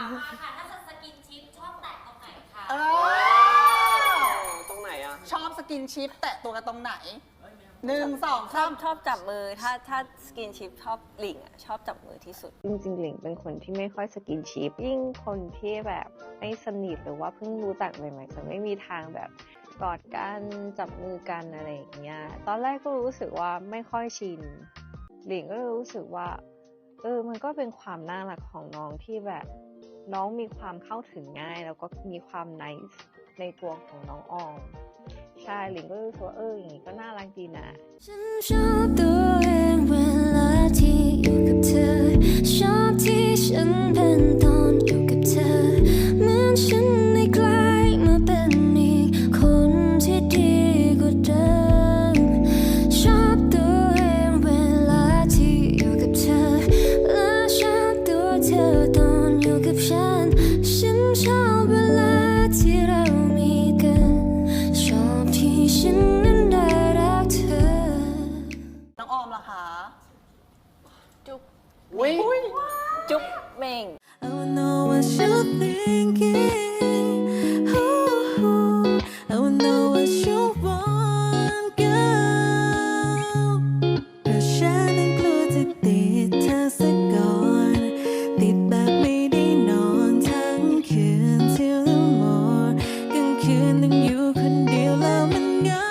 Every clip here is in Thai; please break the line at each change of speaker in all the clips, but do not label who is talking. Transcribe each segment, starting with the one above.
มาค่ะถ้าสกินชิปชอบแตะตรงไหนคะ
ตรงไหนอะ
ชอบสกินชิปแตะตัวกันตรงไหน1 2
ชอบจับมือถ้าสกินชิปชอบหลิงชอบจับมือที่สุด
จริงๆหลิงเป็นคนที่ไม่ค่อยสกินชิปยิ่งคนที่แบบไม่สนิทหรือว่าเพิ่งรู้จักใหม่ๆจะไม่มีทางแบบกอดกันจับมือกันอะไรอย่างเงี้ยตอนแรกก็รู้สึกว่าไม่ค่อยชินหลิงก็รู้สึกว่ามันก็เป็นความน่ารักของน้องที่แบบน้องมีความเข้าถึงง่ายแล้วก็มีความไนซ์ในตัวของน้องออมใช่หลิงก็รู้สึกว่าอย่างนี้ก็น่ารักดีนะ
ฉันชอบตัวเองเวลาที่อยู่กับเธอชอบที่ฉันเป็นตอนอยู่กับเธอเหมือนฉันได้กลายมาเป็นอีกคนที่ดีกว่าเดิมชอบตัวเองเวลาที่อยู่กับเธอและชอบตัวเธอตอนอยู่กับฉันชอบเวลาที่เรามีกันชอบที่ฉันนั้นได้รักเธอ
น้องออมล่ะคะ
จุ๊บ
อุ้ย
จุ๊บเม่ง
I wanna know what you're thinking. Ooh, I wanna know what you want, girl. เพราะฉันนั้นกลัวจะติดเธอซะก่อนติดแบบไม่ได้นอนทั้งคืน till the morning กลางคืนต้องอยู่คนเดียวแล้วมันเหงา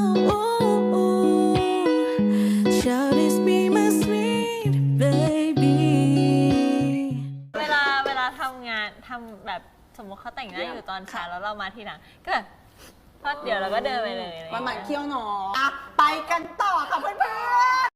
Shall this be my sweet baby?
เวลาทำงานทำแบบสมมติเขาแต่งหน้าอยู่ตอนเช้าแล้วเรามาทีหลังก็แบบพอเดี๋ยวเราก็เดินไปเลย
มันเคี้ยวหนออ่ะไปกันต่อค่ะเพื่อนๆ